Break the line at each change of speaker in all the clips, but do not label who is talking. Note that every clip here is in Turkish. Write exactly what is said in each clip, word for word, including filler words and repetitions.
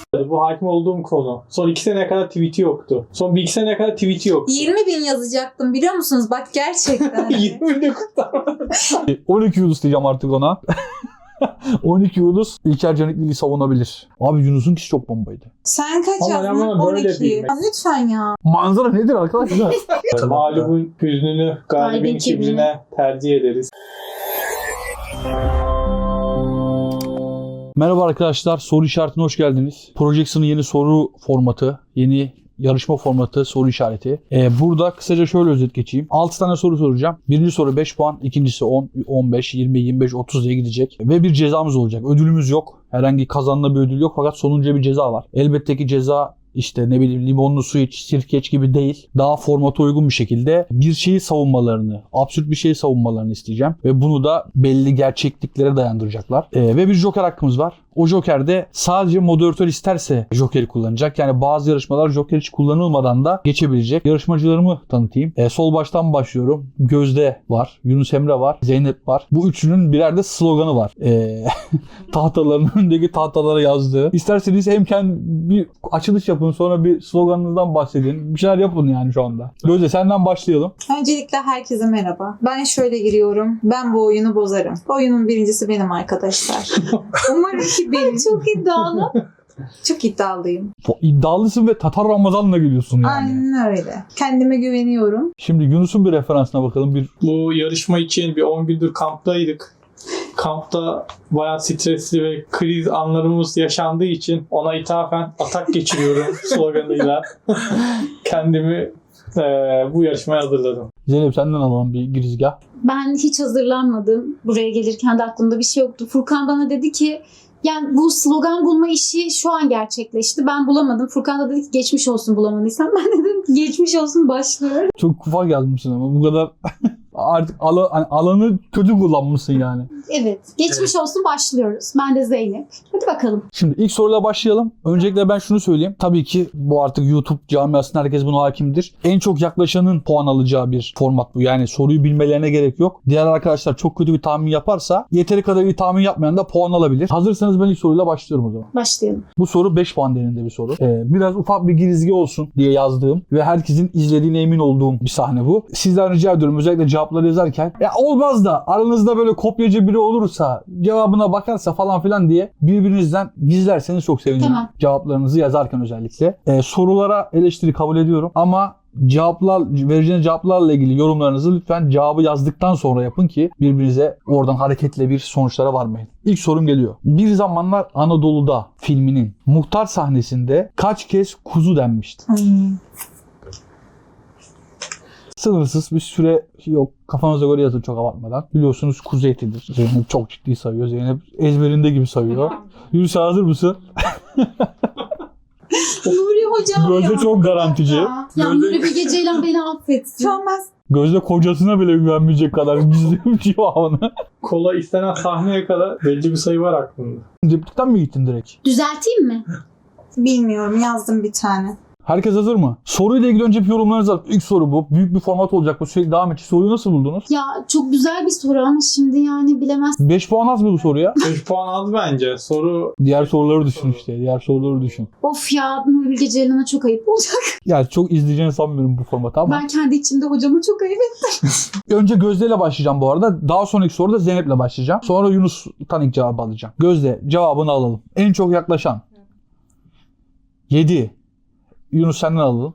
Bu hakim olduğum konu. Son iki seneye kadar tweet'i yoktu. Son bir iki seneye kadar tweet'i yoktu.
yirmi bin yazacaktım biliyor musunuz? Bak gerçekten.
yirmi bin kurtarma.
on iki Yunus diyeceğim artık ona. on iki Yunus İlker Canikli'yi savunabilir. Abi Yunus'un kişi çok bombaydı.
Sen kaç
Ama
yazdın?
ama böyle
on iki.
bilmek.
Ya lütfen ya.
Manzara nedir arkadaşlar?
Mağlubun hüznünü galibin
Galibin
kibrine tercih ederiz.
Merhaba arkadaşlar, soru işaretine hoş geldiniz. Projection'ın yeni soru formatı, yeni yarışma formatı, soru işareti. Ee, burada kısaca şöyle özet geçeyim. altı tane soru soracağım. Birinci soru beş puan, ikincisi on, on beş, yirmi, yirmi beş, otuz diye gidecek. Ve bir cezamız olacak. Ödülümüz yok. Herhangi kazanılan bir ödül yok fakat sonuncuya bir ceza var. Elbette ki ceza işte ne bileyim limonlu su iç, sirke iç gibi değil. Daha formata uygun bir şekilde bir şeyi savunmalarını, absürt bir şeyi savunmalarını isteyeceğim. Ve bunu da belli gerçekliklere dayandıracaklar. Ee, ve bir joker hakkımız var. O joker de sadece moderatör isterse jokeri kullanacak. Yani bazı yarışmalar joker hiç kullanılmadan da geçebilecek. Yarışmacılarımı tanıtayım. Ee, sol baştan başlıyorum. Gözde var, Yunus Emre var, Zeynep var. Bu üçünün birer de sloganı var. Ee, tahtaların önündeki tahtalara yazdığı. İsterseniz hem kendi bir açılış yapın, sonra bir sloganınızdan bahsedin. Bir şeyler yapın yani şu anda. Gözde senden başlayalım.
Öncelikle herkese merhaba. Ben şöyle giriyorum. Ben bu oyunu bozarım. Oyunun birincisi benim arkadaşlar. Umarım ki benim. Çok iddialı. Çok iddialıyım.
İddialısın ve Tatar Ramazan'la geliyorsun yani.
Aynen öyle. Kendime güveniyorum.
Şimdi Yunus'un bir referansına bakalım. Bir
Bu yarışma için bir on gündür kamptaydık. Kampta bayağı stresli ve kriz anlarımız yaşandığı için ona ithafen atak geçiriyorum sloganıyla. Kendimi e, bu yarışmaya hazırladım.
Zeynep senden alalım bir girizgah.
Ben hiç hazırlanmadım. Buraya gelirken de aklımda bir şey yoktu. Furkan bana dedi ki yani bu slogan bulma işi şu an gerçekleşti. Ben bulamadım. Furkan da dedi ki geçmiş olsun bulamadıysan. Ben de dedim ki geçmiş olsun başlıyor.
Çok ufak yazmışsın ama bu kadar artık ala, hani alanı kötü kullanmışsın yani.
Evet. Geçmiş olsun başlıyoruz. Ben de Zeynep. Hadi bakalım.
Şimdi ilk soruyla başlayalım. Öncelikle ben şunu söyleyeyim. Tabii ki bu artık YouTube camiasında herkes buna hakimdir. En çok yaklaşanın puan alacağı bir format bu. Yani soruyu bilmelerine gerek yok. Diğer arkadaşlar çok kötü bir tahmin yaparsa yeteri kadar iyi tahmin yapmayan da puan alabilir. Hazırsanız ben ilk soruyla başlıyorum o zaman.
Başlayalım.
Bu soru beş puan değerinde bir soru. Ee, biraz ufak bir girizgi olsun diye yazdığım ve herkesin izlediğine emin olduğum bir sahne bu. Sizden rica ediyorum özellikle cevapları yazarken ya olmaz da aranızda böyle kopyacı biri olursa cevabına bakarsa falan filan diye birbirinizden gizlerseniz çok sevinirim.
Tamam.
Cevaplarınızı yazarken özellikle. Ee, sorulara eleştiri kabul ediyorum ama cevaplar, vereceğiniz cevaplarla ilgili yorumlarınızı lütfen cevabı yazdıktan sonra yapın ki birbirinize oradan hareketle bir sonuçlara varmayın. İlk sorum geliyor. Bir Zamanlar Anadolu'da filminin muhtar sahnesinde kaç kez kuzu denmişti?
Hmm.
Sınırsız bir süre yok. Kafanıza göre yazın çok abartmadan. Biliyorsunuz kuzu etidir. Zeynep çok ciddi sayıyor. Zeynep ezberinde gibi sayıyor. Yunus hazır mısın?
Nuri hocam
Gözde
ya.
çok garantici.
Ya.
Ya Nuri Bilge Ceylan beni affetsin.
Şu an ben
Gözde kocasına bile güvenmeyecek kadar gizliyor cevabını.
Kola istenen sahneye kadar belli bir sayı var aklımda.
Replikten mi gittin direkt?
Düzelteyim mi?
bilmiyorum yazdım bir tane.
Herkes hazır mı? Soruyla ilgili önce bir yorumlarınızı alalım. İlk soru bu. Büyük bir format olacak bu. Sürekli devam edecek. Soruyu nasıl buldunuz?
Ya çok güzel bir soru ama şimdi yani bilemez.
beş puan az mı bu soruya?
beş puan az bence. Soru
Diğer soruları düşün işte. Diğer soruları düşün.
Of ya Nuri Bilge Ceylan'a çok ayıp olacak.
Yani çok izleyeceğini sanmıyorum bu formatı ama.
Ben kendi içimde hocama çok ayıp ettim.
Önce Gözde ile başlayacağım bu arada. Daha sonraki soruda Zeynep ile başlayacağım. Sonra Yunus'tan ilk cevabı alacağım. Gözde cevabını alalım. En çok yaklaşan. yedi. Yunus senden alalım.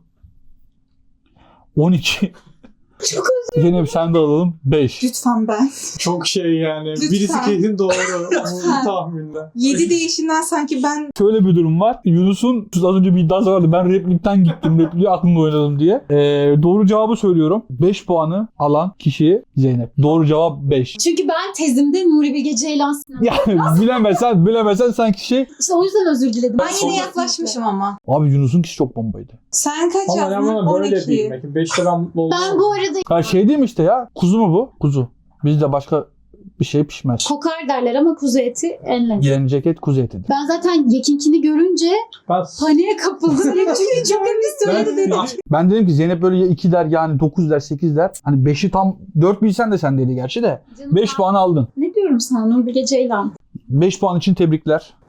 on iki.
Çok
Zeynep sen de alalım. beş.
Lütfen ben.
çok şey yani.
Lütfen.
Birisi kesin doğru bu
Lütfen.
tahminde.
yedi değişinden sanki ben
Şöyle bir durum var. Yunus'un az önce bir iddiası vardı. Ben replikten gittim. Repliği aklımda oynadım diye. Ee, doğru cevabı söylüyorum. beş puanı alan kişi Zeynep. Doğru cevap beş.
Çünkü ben tezimde Nuri Bilge Ceylan sinema.
Yani bilemesen bilemesen sen kişi.
İşte o yüzden özür diledim.
ben yine yaklaşmışım ama.
Abi Yunus'un kişi çok bombaydı.
Sen kaç
Ama
yazdın?
ben bana böyle
on iki.
bilmek. beşte ben mutlu oldum.
Ben bu arada
Ha şey değil mi işte ya? Kuzu mu bu? Kuzu. Bizde başka bir şey pişmez.
kokar derler ama kuzu eti en lezzetli.
Yeni ceket kuzu etidir.
Ben zaten Yekinkini görünce
Ben
paniğe kapıldım. Çünkü çok emin söyledi dedim.
Ben dedim ki Zeynep böyle ya iki der yani dokuz der sekiz der. Hani beşi tam dört bilsen de sen dedi gerçi de.
Canım
beş
ben-
puanı aldın.
Ne diyorum sana Nuri Bilge Ceylan?
beş puan için tebrikler.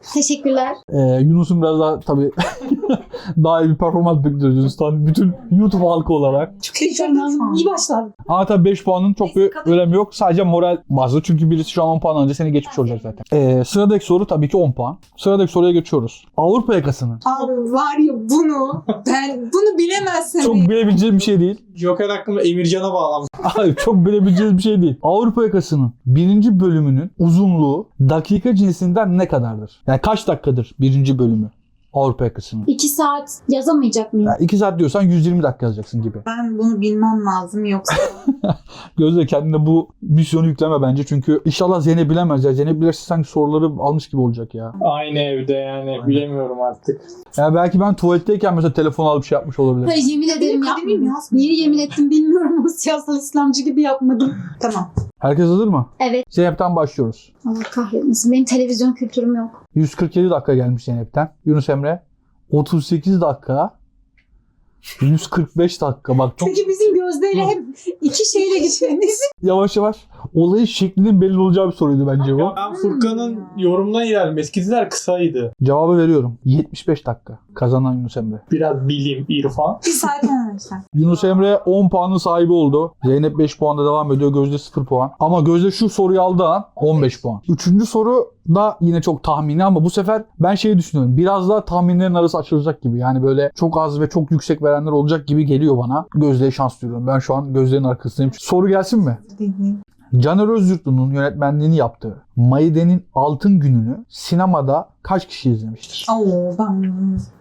Teşekkürler.
Ee, Yunus'un biraz daha tabii daha iyi bir performans bekliyoruz Yunus'tan. Bütün YouTube halkı olarak.
Çok heyecanlıyım şu an.
İyi başladım.
Ama tabii beş puanın çok bir önemi yok. Sadece moral bazlı. Çünkü birisi şu an on puan önce seni geçmiş olacak zaten. Ee, sıradaki soru tabii ki on puan. Sıradaki soruya geçiyoruz. Avrupa yakasının.
Abi var ya bunu ben bunu bilemezsem.
Çok bilebileceğim bir şey değil.
Joker hakkında Emircan'a bağlanmış.
Hayır, çok bilebileceğiniz bir şey değil. Avrupa yakasının birinci bölümünün uzunluğu dakika cinsinden ne kadardır? Yani kaç dakikadır birinci bölümü Avrupa yakasının?
İki saat yazamayacak mıyım?
Yani iki saat diyorsan yüz yirmi dakika yazacaksın gibi.
Ben bunu bilmem lazım yoksa.
Gözde kendine bu misyonu yükleme bence. Çünkü inşallah Zeynep bilemez ya. Zeynep bilirse sanki soruları almış gibi olacak ya.
Aynı evde yani bilemiyorum artık.
Yani belki ben tuvaletteyken mesela telefon alıp şey yapmış olabilirim.
Hayır, yemin ederim
kademim
yapmadım.
yazmıyor.
Niye yemin ettim bilmiyorum ama siyasal İslamcı gibi yapmadım.
Tamam.
Herkes hazır mı?
Evet.
Zeynep'ten başlıyoruz.
Allah kahretmesin. Benim televizyon kültürüm yok.
yüz kırk yedi dakika gelmiş Zeynep'ten. Yunus Emre otuz sekiz dakika. yüz kırk beş dakika. Bak çok
Çünkü bizim Gözde'yle hep iki şeyle gitmemiz.
yavaş yavaş olayın şeklinin belli olacağı bir soruydu bence bu.
Ya ben Furkan'ın yorumuna ilerledim. Eskiler kısaydı.
Cevabı veriyorum. yetmiş beş dakika. Kazanan Yunus Emre.
Biraz bilim, irfan.
Bir saat olmamışlar.
Yunus Emre on puanın sahibi oldu. Zeynep beş puanda devam ediyor. Gözde sıfır puan. Ama Gözde şu soruyu aldığı an on beş puan. Üçüncü soru da yine çok tahmini ama bu sefer ben şeyi düşünüyorum. Biraz daha tahminlerin arası açılacak gibi. Yani böyle çok az ve çok yüksek verenler olacak gibi geliyor bana. Gözde'ye şans diliyorum. Ben şu an Gözde'nin arkasındayım. Soru gelsin mi? Caner Özyurtlu'nun yönetmenliğini yaptığı Maide'nin Altın Günü'nü sinemada kaç kişi izlemiştir?
Oo ben...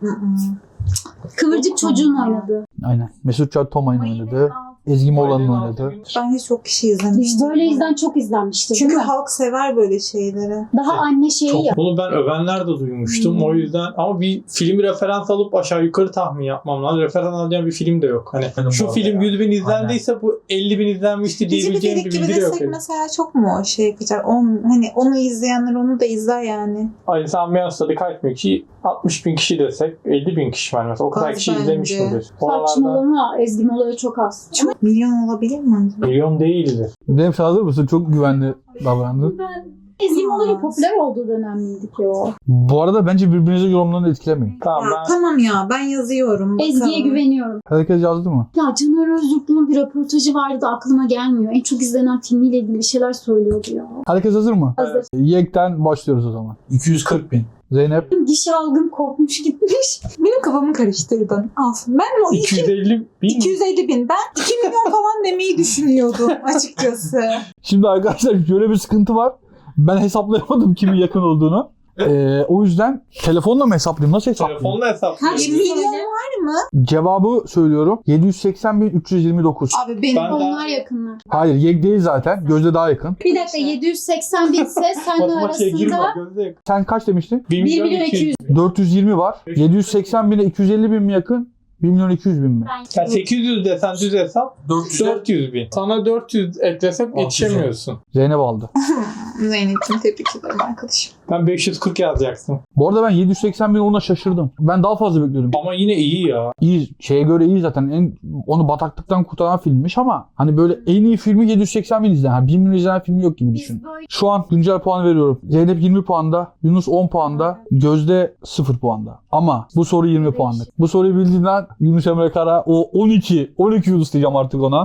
Kıvırcık çocuğun oynadığı.
Aynen. Mesut Can Tomay'ın oynadı. Ezgi Moğlan'ın oynadı.
Bence çok kişi izlemiştim.
Böyle izlen çok izlenmiştir.
Çünkü
değil mi?
halk sever böyle şeyleri.
Daha anne şeyi
Çok,
ya.
bunu ben övenler de duymuştum.
Hmm.
O yüzden ama bir filmi referans alıp aşağı yukarı tahmin yapmam lazım. Referans alacağım bir film de yok. Hani
Benim
şu
bu
film
arada
yüz bin izlendiyse bu elli bin izlenmişti
Dizi bir
diyebileceğim bir
dedik gibi
bilgi de yok.
desek mesela çok mu o şey yapacak? O, hani onu izleyenler onu da izler yani.
Ali Sami Yansadı kaç bin kişi? altmış bin kişi desek elli bin kişi var mesela. O kadar
Az
kişi
bence.
izlemiştir. Oralarda
Saçmalama. Ezgi Mola'ya çok az.
Çok milyon olabilir mi?
milyon değildir.
Zeynep sen hazır mısın? Çok güvenli davrandın.
Ben Ezgi Mola'nın popüler olduğu dönem miydi ki o?
Bu arada bence birbirinize yorumlarını etkilemeyin.
Tamam
Ya,
ben
tamam ya ben yazıyorum.
Ezgi'ye
bakalım.
güveniyorum.
Herkes yazdı mı?
Ya Caner Özyurtlu'nun bir röportajı vardı da aklıma gelmiyor. En çok izlenen filmiyle ilgili bir şeyler söylüyordu ya.
Herkes hazır mı?
Hazır.
Yek'ten başlıyoruz o zaman. iki yüz kırk bin. Zeynep.
Gişe algım kopmuş gitmiş.
Benim kafamı karıştırdın. Al. Ben o
iki yüz elli bin
iki yüz elli bin. Ben iki milyon falan demeyi düşünüyordum açıkçası.
Şimdi arkadaşlar şöyle bir sıkıntı var. Ben hesaplayamadım kimin yakın olduğunu. Ee, o yüzden telefonla mı hesaplayayım? Nasıl hesaplayayım?
telefonla hesaplıyorum.
Kaç milyon var mı?
Cevabı söylüyorum. yedi yüz seksen bin üç yüz yirmi dokuz.
Abi benim
Ben de-
Onlar yakınlar.
Hayır, Yek değil zaten. Gözde daha yakın.
Bir dakika yedi yüz seksen bin ise senle
Matematiğe girme.
arasında
Gözde.
Sen kaç demiştin?
bir
bir milyon iki yüz.
dört yüz yirmi var. yedi yüz seksen bine iki yüz elli bin mi yakın? bir milyon iki yüz bin mi?
Yani sekiz yüz desen düz hesap dört yüz bin. Sana dört yüz eklesek yetişemiyorsun.
Zeynep aldı.
Zeynep'ciğim tebrik ederim arkadaşım.
Ben beş yüz kırk yazacaksın.
Bu arada ben yedi yüz seksen bin ona şaşırdım. Ben daha fazla bekliyordum.
Ama yine iyi ya.
İyi, şeye göre iyi zaten. En, onu bataklıktan kurtaran filmmiş ama hani böyle en iyi filmi yedi yüz seksen bin izlenen. Yani bir milyon izlenen filmi yok gibi düşün. Şu an güncel puan veriyorum. Zeynep yirmi puanda, Yunus on puanda, Gözde sıfır puanda. Ama bu soru yirmi puanlık. Bu soruyu bildiğinden Yunus Emre Kara o on iki, on iki Yunus diyeceğim artık ona.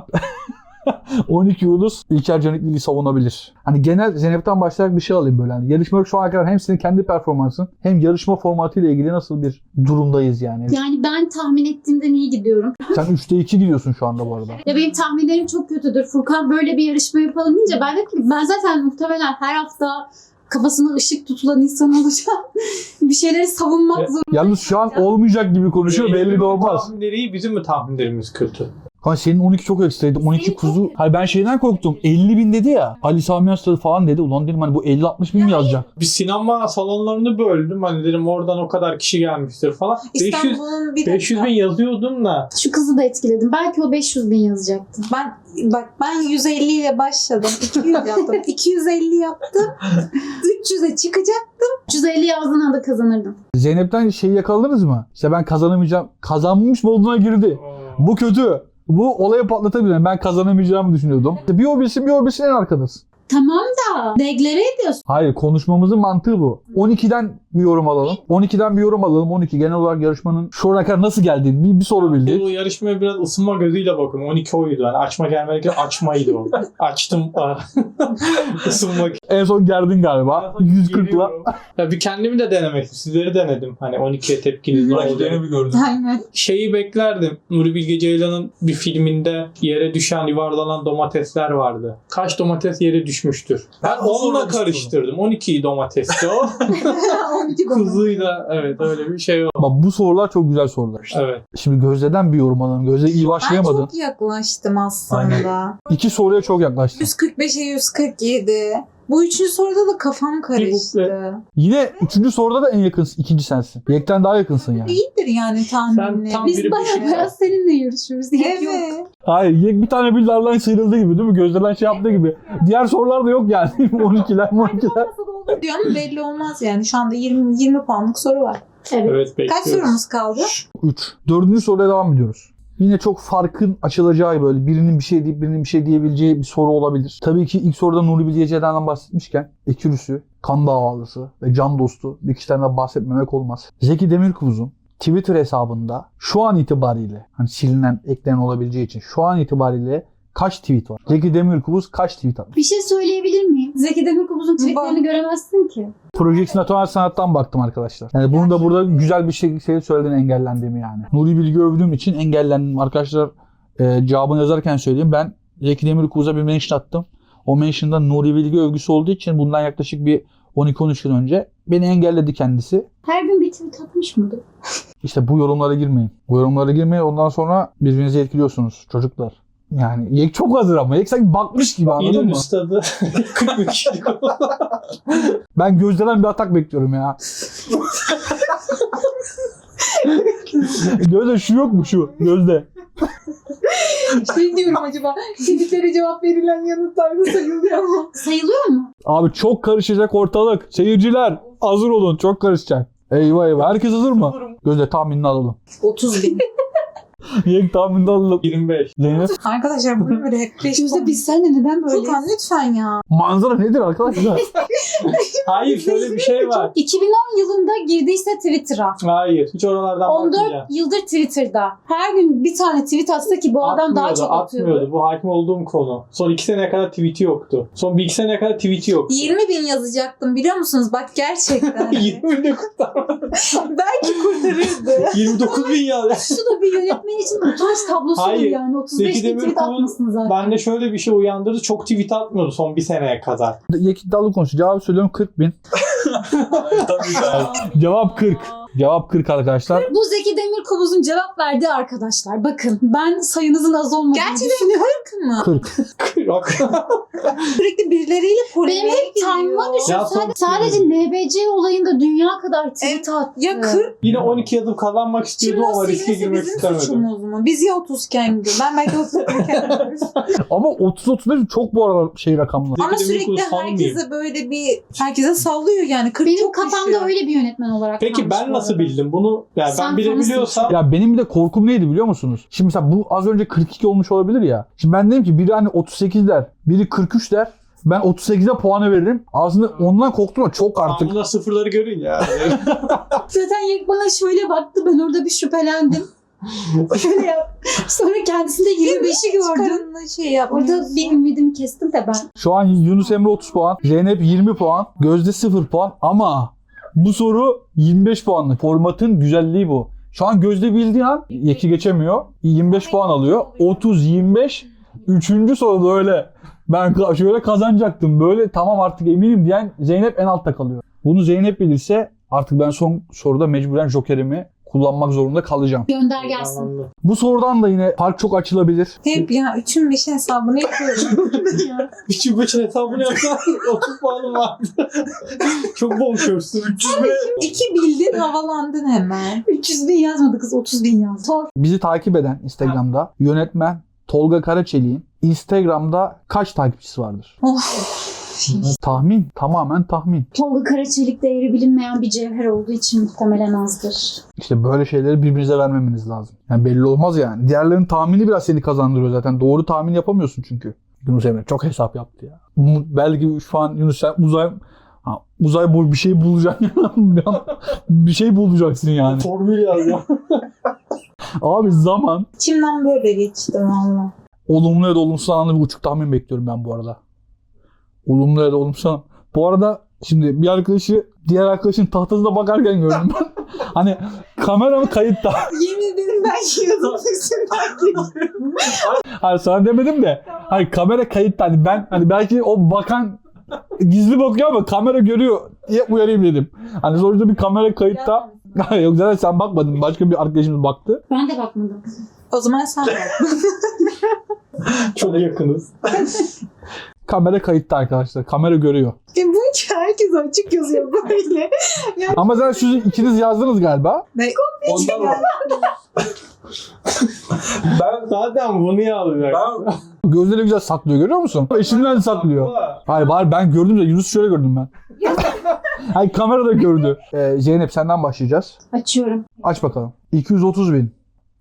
on iki Yunus İlker Canikli'yi savunabilir. Hani genel Zeynep'ten başlayarak bir şey alayım böyle. Hani yarışmada şu ana kadar hem senin kendi performansın hem yarışma formatıyla ilgili nasıl bir durumdayız yani.
yani ben tahmin ettiğimden iyi gidiyorum.
Sen üçte iki gidiyorsun şu anda bu arada.
Ya benim tahminlerim çok kötüdür. Furkan böyle bir yarışma yapalım deyince ben dedim ki ben zaten muhtemelen her hafta kafasına ışık tutulan insan olacağım. bir şeyleri savunmak
Evet.
zorunda.
Yalnız şu an olmayacak gibi konuşuyor, belli de
Zeynep'in
olmaz.
Tahminleri iyi, bizim mi tahminlerimiz kötü?
Kanka senin on iki çok ekstraydı. on iki
Senin
kuzu.
çok-
Hayır ben şeyden korktum. elli bin dedi ya. Ali Sami Yansadı falan dedi. Ulan dedim hani bu elli altmış bin mi yazacak?
Bir sinema salonlarını böldüm. Hani dedim oradan o kadar kişi gelmiştir falan. beş yüz,
İstanbul'un bir
beş yüz bin yazıyordum da.
Şu kızı da etkiledim. Belki o beş yüz bin yazacaktı.
Ben bak ben yüz elli ile başladım. iki yüz yaptım. iki yüz elli yaptım. üç yüze çıkacak.
üç yüz elli yazdığın anda kazanırdım.
Zeynep'ten şeyi yakaladınız mı? İşte ben kazanamayacağım. Kazanmış moduna girdi. Bu kötü. Bu olayı patlatabilir. Ben kazanamayacağımı düşünüyordum. Bir o bilsin bir o bilsin en arkadasın.
Tamam da deklare ediyorsun.
Hayır, konuşmamızın mantığı bu. on ikiden bir yorum alalım. on ikiden bir yorum alalım. on iki genel olarak yarışmanın şu ana kadar nasıl geldiğini bir, bir soru bildi.
Bu yarışmaya biraz ısınma gözüyle bakın. on iki oydu. Yani açma gelmedi. Açmaydı o. Açtım. Isınmak.
En son gerdin galiba. yüz kırkla.
Geliyorum. Ya bir kendimi de denemek istedim. Sizleri denedim. Hani on ikiye tepkiniz ne oldu?
bir gördüm.
Aynen.
Şeyi beklerdim. Nuri Bilge Ceylan'ın bir filminde yere düşen, yuvarlanan domatesler vardı. Kaç domates yere düşmüştür? Ben onunla karıştırdım. on iki domatesti o.
on iki
Kuzuyla evet öyle bir şey oldu.
Bak bu sorular çok güzel sorular.
Evet.
Şimdi Gözde'den bir yorum alalım. Gözde iyi
Ben
başlayamadın.
çok yaklaştım aslında.
İki soruya çok yaklaştın.
yüz kırk beşe yüz kırk yedi. Bu üçüncü soruda da kafam karıştı.
Yine üçüncü soruda da en yakınsın. İkinci sensin. Yekten daha yakınsın yani.
İyidir yani tahminle.
Sen tam
Biz
biri
baya
düşün.
baya seninle yarışıyoruz. Yek yok.
Evet.
Hayır, Yek bir tane bildardan sıyrıldığı gibi değil mi? Gözde'den şey yaptığı gibi. Diğer sorular da yok yani. on ikiler on ikiler.
Diyor ama belli olmaz yani. Şu anda yirmi, yirmi puanlık soru var.
Evet.
Evet
Kaç
bekliyoruz.
sorumuz kaldı?
üç. Dördüncü soruya devam ediyoruz. Yine çok farkın açılacağı böyle birinin bir şey deyip birinin bir şey diyebileceği bir soru olabilir. Tabii ki ilk soruda Nuri Bilge Ceylan'dan bahsetmişken Ekürüsü, kan davalısı ve can dostu bir kişiden de bahsetmemek olmaz. Zeki Demirkubuz'un Twitter hesabında şu an itibariyle hani silinen, eklenen olabileceği için şu an itibariyle kaç tweet var? Zeki Demirkubuz kaç tweet atmış?
Bir şey söyleyebilir miyim? Zeki Demirkubuz'un tweetlerini göremezsin ki.
Projeksiyon Atomel Sanat'tan baktım arkadaşlar. Yani bunu da burada güzel bir şekilde söylediğin engellendiğimi yani. Nuri Bilge övdüğüm için engellendim. Arkadaşlar e, cevabını yazarken söyleyeyim. Ben Zeki Demirkubuz'a bir mention attım. O mention'da Nuri Bilge övgüsü olduğu için bundan yaklaşık bir on iki on üç yıl önce beni engelledi kendisi.
Her gün bir tweet atmış mıydı?
İşte bu yorumlara girmeyin. Bu yorumlara girmeyin. Ondan sonra birbirinizi etkiliyorsunuz çocuklar. Yani Yek çok hazır ama. Yek sanki bakmış gibi, anladın
İnönü
mı?
Üstad'ı kırk bir kişilik
Ben Gözde'den bir atak bekliyorum ya. Gözde şu yok mu şu? Gözde.
Şey diyorum acaba tweetlere cevap verilen yanıtlarda sayılıyor mu?
Sayılıyor mu?
Abi çok karışacak ortalık. Seyirciler hazır olun, çok karışacak. Eyvah eyvah. Herkes hazır mı? Gözde tahminini alalım.
otuz bin.
Yek tahminini alalım.
yirmi beş.
Zeynep.
Arkadaşlar bunu böyle hep beş
Gözde biz seninle neden böyle?
Furkan lütfen ya.
Manzara nedir arkadaşlar?
Hayır şöyle bir şey var.
iki bin on yılında girdiyse Twitter'a.
Hayır. Hiç oralardan
on
bakmayacağım.
dört yıldır Twitter'da. Her gün bir tane tweet atsa ki bu adam daha
Atmıyordu,
çok atıyordu.
atmıyordu. Bu hakim olduğum konu. Son iki seneye kadar tweet'i yoktu. Son bir iki seneye kadar tweet'i yoktu.
yirmi bin yazacaktım biliyor musunuz? Bak gerçekten.
yirmi bin kurtarmadı.
Belki kurtarırdı.
yirmi dokuz bin ya.
Şu da bir yönetmen için utanç tablosu
Hayır.
yani. otuz beş
Zeki
bin tweet
Demirkubuz
atmasın zaten.
Bende şöyle bir şey uyandırdı. Çok tweet atmıyordu son bir seneye kadar.
Yek iddialı konuşuyor. Cevabı söylüyorum kırk bin. Cevap kırk. Cevap kırk arkadaşlar.
Bu Zeki Demirkubuz'un cevap verdiği arkadaşlar. Bakın ben sayınızın az olmadığını
Gerçekten
düşünüyorum.
kırk mı?
kırk.
Yok.
Sürekli birileriyle polemiğe
Benim hep
gidiyor.
time'ıma düşün.
Ya
Sadece,
son-
sadece N B C olayında dünya kadar tweet attı.
Ya kırk.
Yine on iki yazıp kazanmak istiyordum
Şimdi o
ama riske
silmesi
girmek
bizim
istemedim.
suçumuz mu? Biz ya otuzken gidiyor. Ben belki otuzken gidiyoruz.
Ama otuz otuz beş çok bu aralar şey rakamlar.
Ama
Zeki Demirkubuz
sürekli
fan mıyım?
herkese böyle bir herkese sallıyor yani. kırk
Benim
çok
kafamda
düşüyor.
öyle bir yönetmen olarak
Peki
kalmış
ben
bu
nasıl
arada.
bildim bunu? Yani
Sen
ben bilebiliyorsam
Ya benim bir de korkum neydi biliyor musunuz? Şimdi mesela bu az önce kırk iki olmuş olabilir ya. Şimdi ben dedim ki biri hani otuz sekiz der, biri kırk üç der. Ben otuz sekize puanı veririm. Aslında ondan korktum ama çok artık.
bunda sıfırları görün ya.
Zaten Yek bana şöyle baktı, ben orada bir şüphelendim. Şöyle yap. Sonra kendisinde yirmi beşi gördüm.
Çıkarınla şey yapmıyorsun.
Orada bir ümidimi kestim de ben.
Şu an Yunus Emre otuz puan, Zeynep yirmi puan, Gözde sıfır puan ama bu soru yirmi beş puanlı. Formatın güzelliği bu. Şu an Gözde bildiği an Yek'i geçemiyor. yirmi beş puan alıyor. otuz yirmi beş. Üçüncü soruda öyle ben ka- şöyle kazanacaktım. Böyle tamam artık eminim diyen Zeynep en altta kalıyor. Bunu Zeynep bilirse artık ben son soruda mecburen jokerimi kullanmak zorunda kalacağım.
Gönder gelsin.
Anladım.
Bu sorudan da yine fark çok açılabilir.
Hep ya üçün beşin hesabını yapıyorum.
Üçün beşin hesabını yapsan otuz puanım vardı. Çok bonkörsün. üç yüz be.
İki bildin havalandın hemen.
üç yüz bin yazmadı kız, otuz bin yazdı. Sor.
Bizi takip eden Instagram'da yönetmen Tolga Karaçelik'in Instagram'da kaç takipçisi vardır?
Of.
Tahmin. Tamamen tahmin.
Tolga Karaçelik değeri bilinmeyen bir cevher olduğu için muhtemelen azdır.
İşte böyle şeyleri birbirinize vermemeniz lazım. Yani belli olmaz yani. Diğerlerinin tahmini biraz seni kazandırıyor zaten. Doğru tahmin yapamıyorsun çünkü. Yunus Emre çok hesap yaptı ya. Mu- Belki şu an Yunus sen uzay ha, uzay boyu bir şey bulacaksın. Bir şey bulacaksın yani.
Formül yaz ya.
Abi zaman
İçimden böyle geçti valla.
olumlu ya da olumsuz anlamda bir buçuk tahmin bekliyorum ben bu arada. Olumlu ya da olumsuz anlamda. Bu arada şimdi bir arkadaşı diğer arkadaşın tahtasına bakarken gördüm ben. Hani kamera mı kayıtta?
Yemin ederim ben yiyordum üstünden geçtim.
Hani sana demedim de. Hani kamera kayıtta. Hani ben hani belki o bakan gizli bakıyor ama kamera görüyor diye uyarayım dedim. Hani sonuçta bir kamera kayıtta. Yok zaten sen bakmadın. Başka bir arkadaşımız baktı.
Ben de bakmadım.
O zaman sen bak.
Çok yakınız.
Kamera kayıtta arkadaşlar. Kamera görüyor.
E bu ki herkes açık yazıyor böyle.
Ama zaten siz ikiniz yazdınız galiba.
Ne?
Ondan mı? Ben zaten bunu yazacak.
Gözleri güzel saklıyor görüyor musun? Eşimden saklıyor. Hayır bari ben gördüm de Yunus şöyle gördüm ben. Hayır kamera da gördü. Ee, Zeynep senden başlayacağız.
Açıyorum.
Aç bakalım. iki yüz otuz bin.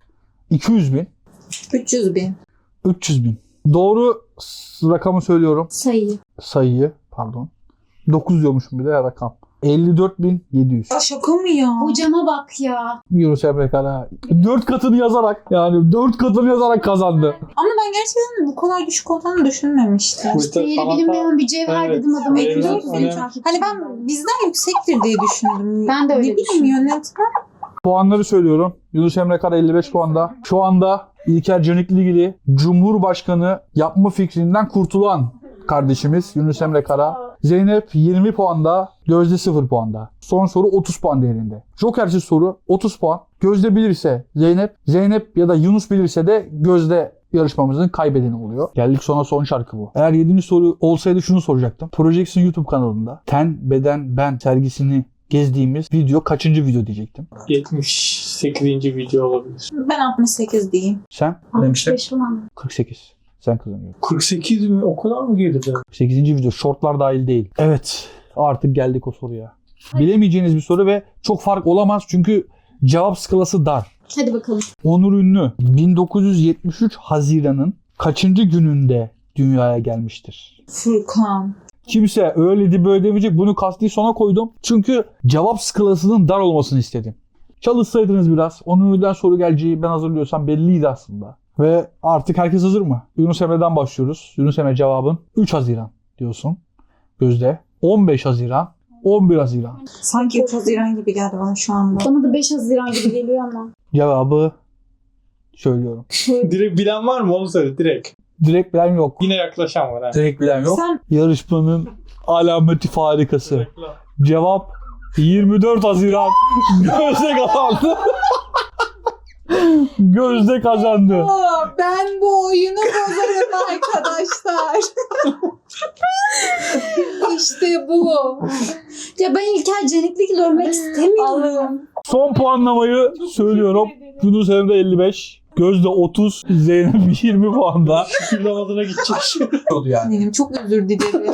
iki yüz bin.
üç yüz bin.
üç yüz bin. Doğru s- rakamı söylüyorum.
Sayıyı.
Sayıyı pardon. dokuz diyormuşum bir de rakam. elli dört bin yedi yüz.
Aa, şaka mı ya?
Hocama bak ya.
Yunus Emre Kara. dört katını yazarak yani dört katını yazarak kazandı.
Ama ben gerçekten bu kadar düşük olduğunu düşünmemiştim.
Bu işte
Değeri
sanata-
bilinmeyen bir cevher
Evet.
dedim adama.
Evet.
elli dört bin
Evet.
takipçi.
Hani ben bizden yüksektir diye düşündüm.
Ben de öyle
Ne bileyim
düşündüm.
yönetmen.
Puanları söylüyorum. Yunus Emre Kara elli beş puanda. Şu anda İlker Canikligili Cumhurbaşkanı yapma fikrinden kurtulan kardeşimiz Yunus Emre Kara. Zeynep yirmi puanda, Gözde sıfır puanda. Son soru otuz puan değerinde. Jokersiz soru otuz puan. Gözde bilirse Zeynep, Zeynep ya da Yunus bilirse de Gözde yarışmamızın kaybedeni oluyor. Geldik sona son şarkı bu. Eğer yedinci soru olsaydı şunu soracaktım. Projection YouTube kanalında Ten, Beden, Ben sergisini gezdiğimiz video kaçıncı video diyecektim.
yetmiş sekizinci video olabilir.
Ben altmış sekiz diyeyim.
Sen?
altmış beş falan.
kırk sekiz. Sen kazanıyorsun.
kırk sekiz mi? O kadar mı geride?
kırk sekizinci video. Shortlar dahil değil. Evet. Artık geldik o soruya. Bilemeyeceğiniz bir soru ve çok fark olamaz çünkü cevap skalası dar.
Hadi bakalım.
Onur Ünlü bin dokuz yüz yetmiş üç Haziran'ın kaçıncı gününde dünyaya gelmiştir?
Furkan.
Kimse öyle de böyle demeyecek. Bunu kasti sona koydum. Çünkü cevap skalasının dar olmasını istedim. Çalışsaydınız biraz. Onur Ünlü'den soru geleceği ben hazırlıyorsam belliydi aslında. Ve artık herkes hazır mı? Yunus Emre'den başlıyoruz. Yunus Emre cevabın üç Haziran diyorsun. Gözde. on beş Haziran. on bir Haziran.
Sanki üç Haziran gibi geldi bana şu anda.
Bana da beş Haziran gibi geliyor ama.
Cevabı söylüyorum.
Direkt bilen var mı? Onu söyle direkt.
Direkt bilen yok.
Yine yaklaşan var ha.
Direkt bilen yok.
Sen
Yarışmanın alameti farikası. Cevap yirmi dört Haziran. Gözde kazandı. Gözde kazandı.
Aa, ben bu oyunu bozarım arkadaşlar. İşte bu.
Ya ben İlker Canikligil ölmek istemiyorum.
Allah'ım.
Son puanlamayı söylüyorum. Yunus Emre elli beş. Gözde otuz. Zeynep yirmi puanda.
Şükür namazına gidecek.
Oldu yani.
Benim çok özür dilerim.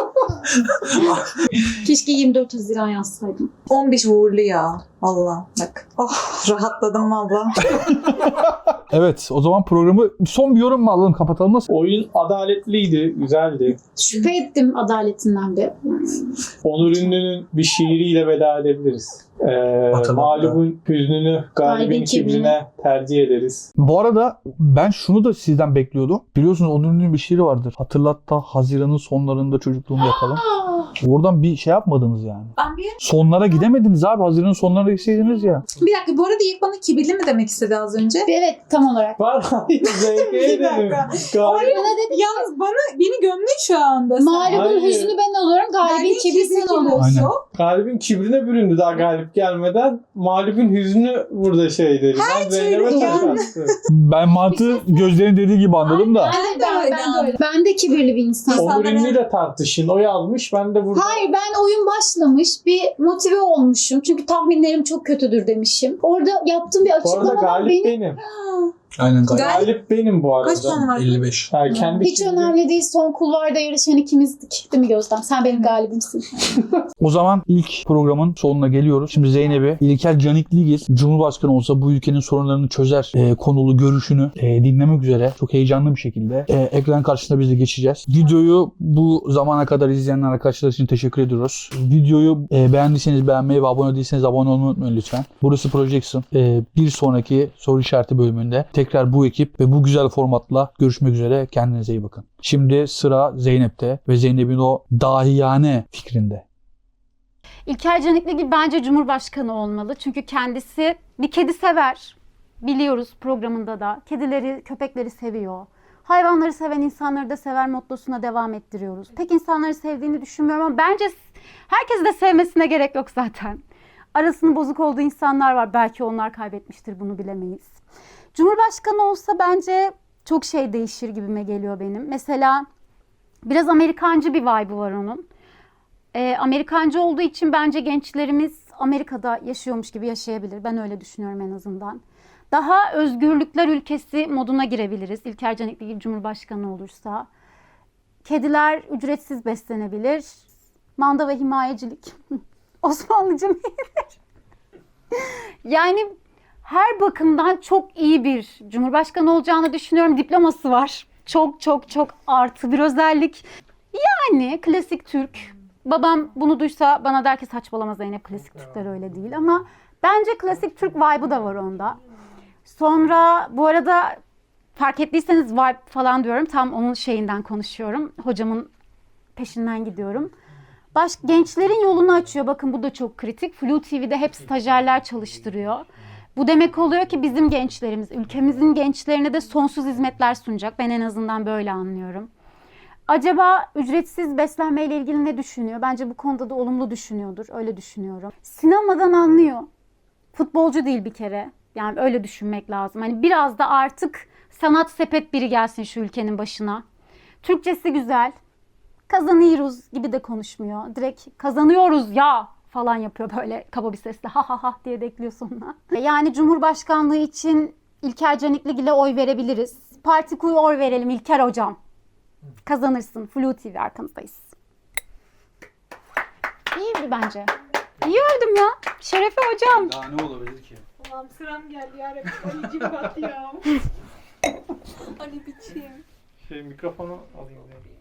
Keşke yirmi dört Haziran yazsaydım.
on beş uğurlu ya. Allah bak. Oh rahatladım valla.
Evet o zaman programı son bir yorum mu alalım kapatalım nasıl?
Oyun adaletliydi, güzeldi.
Şüphe ettim adaletinden bir.
Onur Ünlü'nün bir şiiriyle veda edebiliriz. Ee, mağlubun hüznünü galibin
Galibin kibrine.
kibrine tercih ederiz.
Bu arada ben şunu da sizden bekliyordum. Biliyorsunuz Onur Ünlü'nün bir şiiri vardır. Hatırlat da Haziran'ın sonlarında çocukluğumu yakalım. Oradan bir şey yapmadınız yani.
Ben bir,
Sonlara gidemediniz abi. Haziran'ın sonlarına gitseydiniz ya.
bir dakika bu arada ilk bana kibirli mi demek istedi az önce?
Evet tam olarak.
Var hayır zevke
Bir
dedim.
dakika.
Galip
Bana dedi
Yalnız bana beni gömdün şu anda. sen.
mağlubun
Hayır.
hüznü ben oluyorum, galibin
Galibin
kibri sen
kibri
oluyorsun.
Aynen.
Galibin kibrine büründü daha galip gelmeden. Mağlubun hüznü burada şeydi. Ben Zeynep'e
türlü
taş
yani.
attım.
Ben mantığı gözlerin dediği gibi anladım da.
Ben de,
Ben de
ben,
öyle
ben de öyle. Ben de kibirli bir insanım.
Onur Ünlü'yle tartışın. O yazmış. Ben de burada.
Hayır ben oyun başlamış bir motive olmuşum. Çünkü tahminlerim çok kötüdür demişim. Orada yaptığım bir
Bu arada
açıklamadan
galip
beni
benim.
Aynen galiba.
Galip
Galip benim bu arada.
kaç puan var?
elli beş.
Yani kendi
Hiç
şimdi-
önemli değil. Son kulvarda yarışan ikimizdik. Değil mi Gözden? Sen benim galibimsin.
O zaman ilk programın sonuna geliyoruz. Şimdi Zeynep'i İlker Canikligil Cumhurbaşkanı olsa bu ülkenin sorunlarını çözer e, konulu görüşünü e, dinlemek üzere çok heyecanlı bir şekilde e, ekran karşısında biz de geçeceğiz. Videoyu bu zamana kadar izleyen arkadaşlar için teşekkür ediyoruz. Videoyu e, beğendiyseniz beğenmeyi ve abone değilseniz abone olmayı unutmayın lütfen. Burası Projection. E, bir sonraki soru işareti bölümünde tekrar bu ekip ve bu güzel formatla görüşmek üzere. Kendinize iyi bakın. Şimdi sıra Zeynep'te ve Zeynep'in o dahiyane fikrinde.
İlker Canikligil bence Cumhurbaşkanı olmalı. Çünkü kendisi bir kedi sever. Biliyoruz programında da. Kedileri, köpekleri seviyor. Hayvanları seven insanları da sever mottosuna devam ettiriyoruz. Pek insanları sevdiğini düşünmüyorum ama bence herkesi de sevmesine gerek yok zaten. Arasının bozuk olduğu insanlar var. Belki onlar kaybetmiştir, bunu bilemeyiz. Cumhurbaşkanı olsa bence çok şey değişir gibime geliyor benim. Mesela biraz Amerikancı bir vibe'ı var onun. E, Amerikancı olduğu için bence gençlerimiz Amerika'da yaşıyormuş gibi yaşayabilir. Ben öyle düşünüyorum en azından. Daha özgürlükler ülkesi moduna girebiliriz. İlker Canikligil Cumhurbaşkanı olursa. Kediler ücretsiz beslenebilir. Manda ve himayecilik. Osmanlıca mı? Yani her bakımdan çok iyi bir Cumhurbaşkanı olacağını düşünüyorum. Diploması var. Çok çok çok artı bir özellik. Yani klasik Türk. Babam bunu duysa bana der ki saçmalama Zeynep, klasik Türkler öyle değil, ama bence klasik Türk vibe'ı da var onda. Sonra bu arada fark ettiyseniz vibe falan diyorum, tam onun şeyinden konuşuyorum. Hocamın peşinden gidiyorum. Baş, gençlerin yolunu açıyor. Bakın bu da çok kritik. Flu T V'de hep stajyerler çalıştırıyor. Bu demek oluyor ki bizim gençlerimiz, ülkemizin gençlerine de sonsuz hizmetler sunacak. Ben en azından böyle anlıyorum. Acaba ücretsiz beslenmeyle ilgili ne düşünüyor? Bence bu konuda da olumlu düşünüyordur. Öyle düşünüyorum. Sinemadan anlıyor. Futbolcu değil bir kere. Yani öyle düşünmek lazım. Hani biraz da artık sanat sepet biri gelsin şu ülkenin başına. Türkçesi güzel. Kazanıyoruz gibi de konuşmuyor. Direkt kazanıyoruz ya falan yapıyor böyle kaba bir sesle. Ha ha ha diye de ekliyor sonuna. Yani Cumhurbaşkanlığı için İlker Canikligil'e oy verebiliriz. Parti kuyu oy verelim İlker hocam. Kazanırsın. Flu T V arkanızdayız. İyiydi bence. İyi öldüm ya. Şerefe hocam.
Daha ne olabilir ki?
Allah'ım sıram geldi yarabbim. Anneciğim bak ya. Hani biçim.
Şey, mikrofonu alayım.